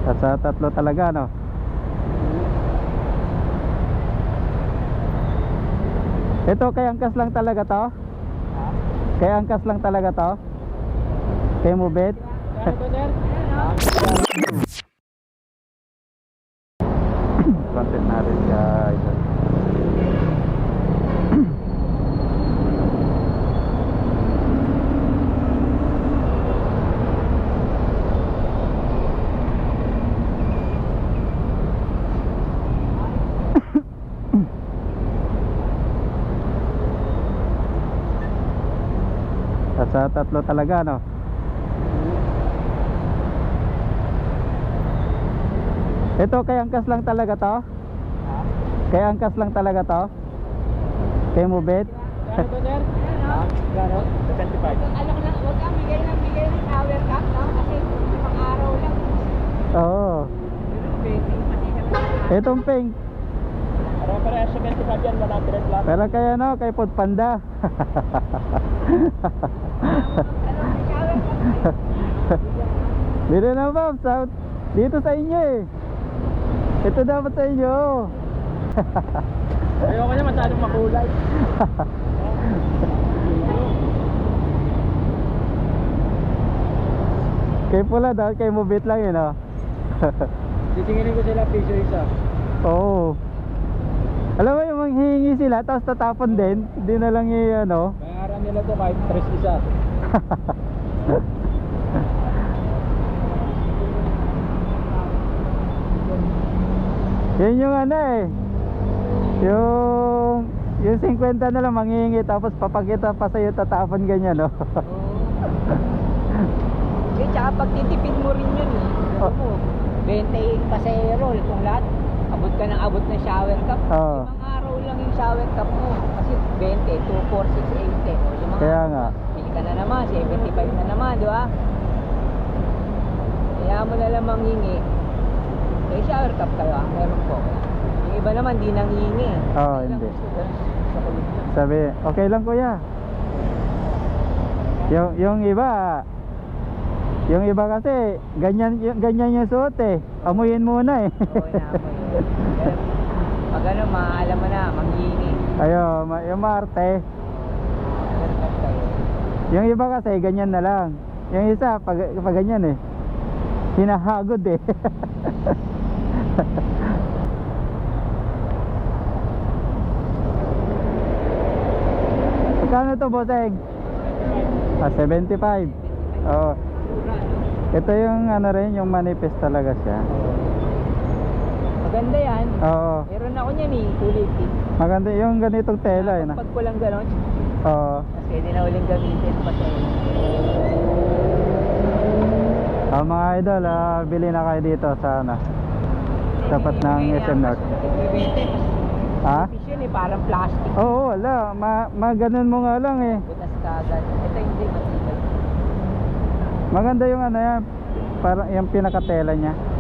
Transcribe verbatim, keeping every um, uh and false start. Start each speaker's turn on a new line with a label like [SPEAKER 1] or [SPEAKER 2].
[SPEAKER 1] At sa tatlo talaga, no? Ito kay angkas lang talaga to? Kay angkas lang talaga to? Kay mubit? Content natin guys. At sa tatlo talaga, no? Ito kay angkas lang talaga to? Kay angkas lang talaga to? Kay mubit?
[SPEAKER 2] Gano'n to, sir? Gano'n? seventy-five.
[SPEAKER 3] Alam ko lang, huwag kang bigay ng bigay ng power cap, no? Kasi pang araw lang.
[SPEAKER 1] Oo. Itong pink.
[SPEAKER 2] Para para seventy-five yan, one hundred lang.
[SPEAKER 1] Pero kay ano, kay Food Panda.
[SPEAKER 3] Alam mo, power cap.
[SPEAKER 1] Dito na ba? Sa, dito sa inyo eh. Ito dapat sa inyo.
[SPEAKER 2] Ayoko niya masyadong makulay.
[SPEAKER 1] Kay pula daw, kay mubit lang yun, oh.
[SPEAKER 2] Titinginin ko sila piso isa.
[SPEAKER 1] Oo. Alam mo yung manghihingi sila tapos tatapon din. Hindi na lang yung ano.
[SPEAKER 2] Bayaran nila to kahit tres isa.
[SPEAKER 1] Yan yung ano eh. Yung yung fifty na lang manghihingi tapos papakita pa sa'yo tatapon ganyan, no.
[SPEAKER 3] Eh, tsaka pag titipid mo rin yun, eh. Alam mo, twenty pasero, kung lahat, abot ka ng abot ng shower cap.
[SPEAKER 1] Oo.
[SPEAKER 3] Limang araw lang yung shower cap mo. Kasi twenty, two, four, six, eight, o limang
[SPEAKER 1] Kaya
[SPEAKER 3] araw.
[SPEAKER 1] nga.
[SPEAKER 3] Pili ka na naman, seventy-five na naman, di ba? Kaya mo na lang manghingi. May shower cap kayo, ah. Meron po. Yung iba naman, di nang hingi.
[SPEAKER 1] Oo,
[SPEAKER 3] Ilang
[SPEAKER 1] hindi.
[SPEAKER 3] gusto doon sa kulit lang.
[SPEAKER 1] Sabi, okay lang kuya. Yung yung iba yung iba kasi ganyan yung, ganyan yung suot eh. Amuyin muna eh.
[SPEAKER 3] Oo, naamoy. Pero, pag ano, maalam mo na, manghingi.
[SPEAKER 1] Ayo, ma- yung Marte.
[SPEAKER 3] Shower cap kayo.
[SPEAKER 1] Yung iba kasi ganyan na lang. Yung isa pag, pag ganyan eh. Hinahagod eh. Magkano to, bosseng? Ah, seventy-five. Oh. Ito yung ano rin, yung manifest talaga siya.
[SPEAKER 3] Maganda yan.
[SPEAKER 1] Oo.
[SPEAKER 3] Meron ako niyan eh, kulay pink.
[SPEAKER 1] Maganda yung ganitong tela eh. Na.
[SPEAKER 3] Pag ko lang gano'n,
[SPEAKER 1] Oo.
[SPEAKER 3] kasi hindi na uling gamitin pa sa
[SPEAKER 1] Ah, mga idol, ah, bili na kayo dito sa ano. Tapat ng S M North. Ha?
[SPEAKER 3] Fish yun eh, parang plastic.
[SPEAKER 1] Oo, wala. Ma, ma ganun mo nga lang eh.
[SPEAKER 3] Butas ka agad. Ito hindi matibay.
[SPEAKER 1] Maganda yung ano yan. Parang yung pinakatela niya.